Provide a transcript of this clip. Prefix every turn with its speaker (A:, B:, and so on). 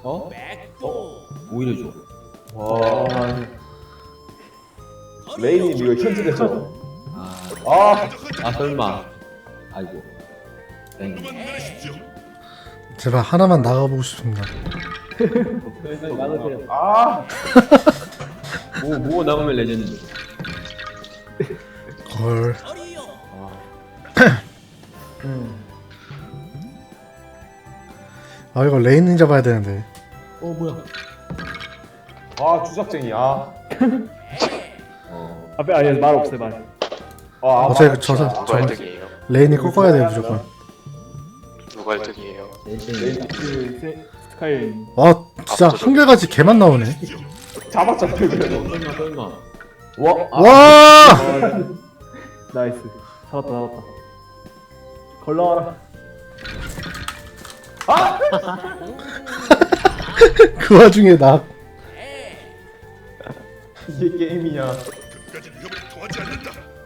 A: 어? 오히려 좋아.
B: 와. 레이님 이거 현질했죠?
A: 아, 설마. 아이고. 땡.
C: 제발 하나만 나가보고 싶습니다.
B: 아.
A: 뭐 나오면 레전드.
C: 걸. 아 이거 레인 잡아야 되는데.
A: 뭐야?
B: 아 주작쟁이. 아.
D: 앞에 아니 말 없어요 말.
B: 아.
C: 어차피 저서
E: 누가 1등이에요?
C: 레인이 꺾어야 돼요 무조건.
E: 누가 1등이에요?
A: 땡땡이다.
D: 스카이.
C: 와 진짜 한결같이 개만 나오네.
B: 잡았잖아 그래도.
A: 설마.
B: 와.
C: 와!
D: 나이스. 살았다. 걸러와라.
C: 그 와중에 나.
B: 이게 게임이냐?